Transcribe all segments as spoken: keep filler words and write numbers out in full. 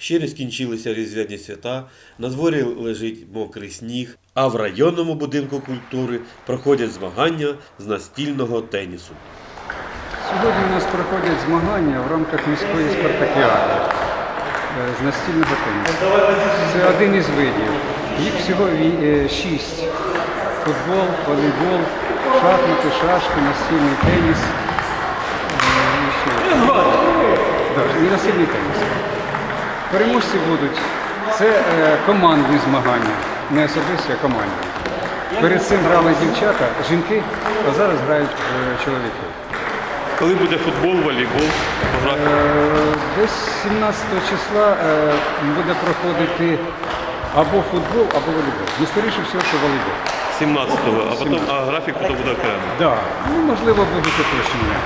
Ще не скінчилися різдвяні свята, на дворі лежить мокрий сніг, а в районному будинку культури проходять змагання з настільного тенісу. Сьогодні у нас проходять змагання в рамках міської спартакіади з настільного тенісу. Це один із видів. Їх всього шість. Футбол, волейбол, шахмати, шашки, настільний теніс. І ще. Да, і настільний теніс. Переможці будуть. Це командні змагання, не особисті, а командні. Перед цим грали дівчата, жінки, а зараз грають чоловіки. Коли буде футбол, волейбол? Десь сімнадцятого числа буде проходити або футбол, або волейбол. Ну, скоріше всього, що волейбол. сімнадцятого, а потім а графік потім буде окремо? Так, да. Ну, можливо, будуть уточнення.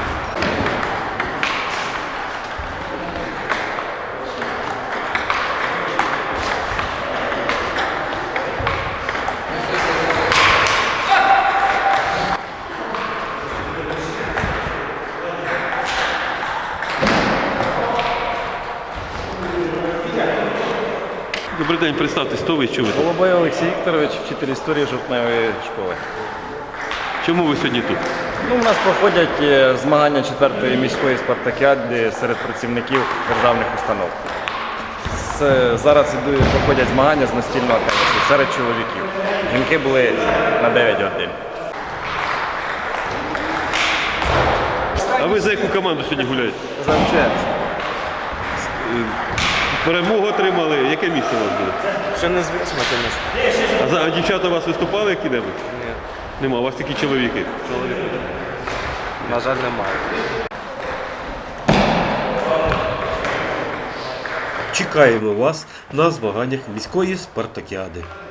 Добрий день, представтесь, хто ви і що ви тут? Голубой Олексій Вікторович, вчитель історії жовтневої школи. Чому ви сьогодні тут? Ну, у нас проходять е, змагання четвертої міської спартакіади серед працівників державних установ. З- Зараз ідуть- проходять змагання з настільного тенісу серед чоловіків. Жінки були на дев'ять годин. А ви за яку команду сьогодні гуляєте? За МЧС. Перемогу отримали. Яке місце у вас буде? Ще не звісно, теніс. А, за- а дівчата у вас виступали які-небудь? Ні, Нема, у вас тільки чоловіки. чоловіка. На жаль, немає. Чекаємо вас на змаганнях міської спартакіади.